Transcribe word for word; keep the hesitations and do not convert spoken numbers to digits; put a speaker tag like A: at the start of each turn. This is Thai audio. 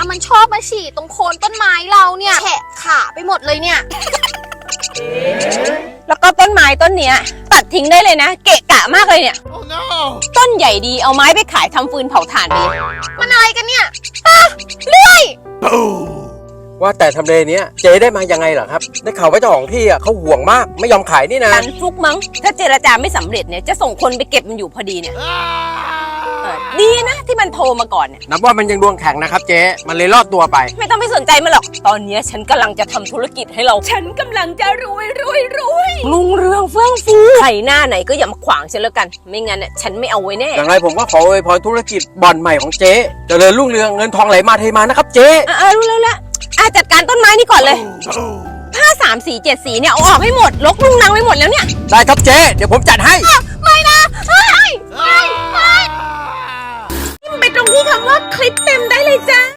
A: มันชอบมาฉี่ตรงโคนต้นไม้เราเนี่ยแฉะขาไปหมดเลยเนี่ย
B: แล้วก็ต้นไม้ต้นเนี้ยตัดทิ้งได้เลยนะเกะกะมากเลยเนี่ย
C: Oh no
B: ต้นใหญ่ดีเอาไม้ไปขายทำฟืนเผาถ่านไปเลย
A: มันอะไรกันเนี่ยอ่ะเลื่อย
D: ว่าแต่ทำเลเนี้ยเจ๊ได้มายังไงเหรอครับได้ข่าวว่าเจ้าของที่อ่ะเขาห่วงมากไม่ยอมขายนี่นะ
B: การฟลุกมั้งถ้าเจรจาไม่สำเร็จเนี่ยจะส่งคนไปเก็บมันอยู่พอดีเนี่ยเออดีนะที่มันโทรมาก่อนเนี่ย
D: นับว่ามันยังดวงแข็งนะครับเจ๊มันเลยรอดตัวไป
B: ไม่ต้องไปสนใจมันหรอกตอนเนี้ยฉันกำลังจะทำธุรกิจให้เรา ฉันกำลังจะรวยรวยรวยรุ่งเรืองเฟื่องฟูใครหน้าไหนก็อย่ามาขวางฉันแล้วกัน ไม่งั้นน่ะฉันไม่เอาไว้แน่
D: อย่างไรผมก็ขออวยพรธุรกิจบ่อนใหม่ของเจ๊เจริญรุ่งเรืองเงินทองไหลมาเทมานะครับเจ๊
B: อ่ารู้แล้วละอ่ะจัดการต้นไม้นี่ก่อนเลยผ้าสามสีเจ็ดสีเนี่ยเอาออกให้หมดลกลุงนางไปหมดแล้วเนี่ย
D: ได้ครับเจ๊เดี๋ยวผมจัดให้
B: ไม่นะไม่ไม่ไม่ไปตรงที่คำว่าคลิปเต็มได้เลยจ้า